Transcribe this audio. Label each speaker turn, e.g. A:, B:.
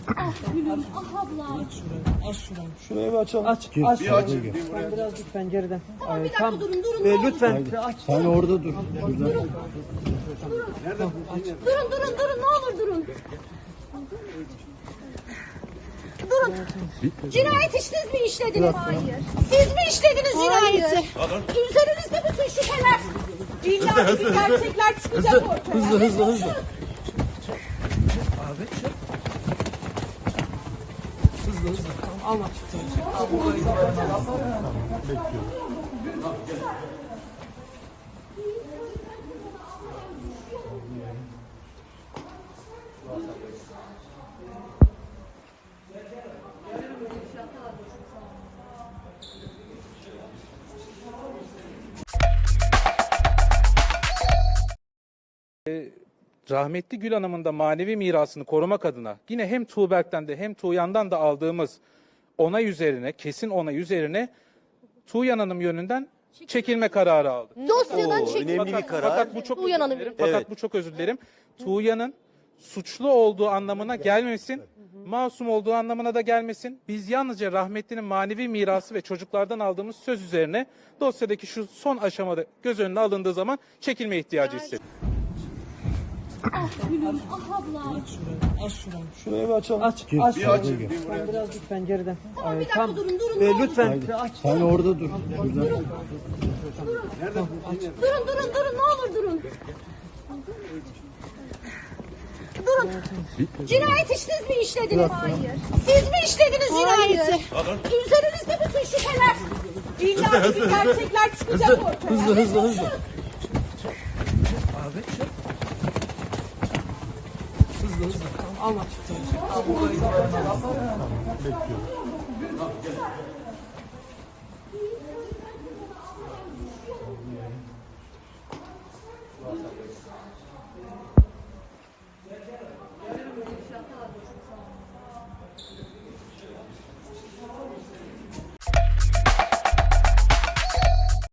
A: Ah gülüm, ah ablam.
B: Aç şurayı.
C: Şurayı bir açalım.
B: Aç.
C: Gir,
B: Aç.
C: bir aç.
B: Sen biraz lütfen geriden.
A: Tamam bir dakika
B: Tamam.
A: durun ne olur.
B: Lütfen aç.
C: Sen orada dur. Şurada.
A: Durun ne olur durun. Durun. Cinayet siz mi işlediniz? Hayır. Siz mi işlediniz cinayeti? Üzerinizde bütün şüpheler. İlla ki gerçekler çıkacak ortaya.
C: Hızlı.
B: Alma.
D: Rahmetli Gül Hanım'ın da manevi mirasını korumak adına yine hem Tuğberk'ten de hem Tuğyan'dan da aldığımız onay üzerine, kesin onay üzerine Tuğyan Hanım yönünden çekilme kararı aldık.
A: Dosyadan çekildi.
E: Önemli bir karar.
D: Fakat bu çok
A: Tuğyan
D: özür
A: Hanım.
D: dilerim. Fakat bu çok özür dilerim. Tuğyan'ın suçlu olduğu anlamına gelmesin. Masum olduğu anlamına da gelmesin. Biz yalnızca rahmetlinin manevi mirası ve çocuklardan aldığımız söz üzerine dosyadaki şu son aşamada göz önüne alındığı zaman çekilme ihtiyacı hissettik.
A: Ah gülüm, ah ablam.
B: Aç şurayı.
C: Şurayı bir açalım.
B: Aç.
C: Gir,
B: Aç.
C: bir aç.
B: Sen biraz lütfen geriden.
A: Tamam bir dakika durun ne olur.
B: Lütfen aç.
C: Sen orada dur. Şurada.
A: Durun ne olur durun. Durun. Cinayet siz mi işlediniz? Hayır. Siz mi işlediniz cinayeti? Üzerinizde bütün şüpheler. İlla ki gerçekler çıkacak ortaya.
C: Hızlı.
B: Alma.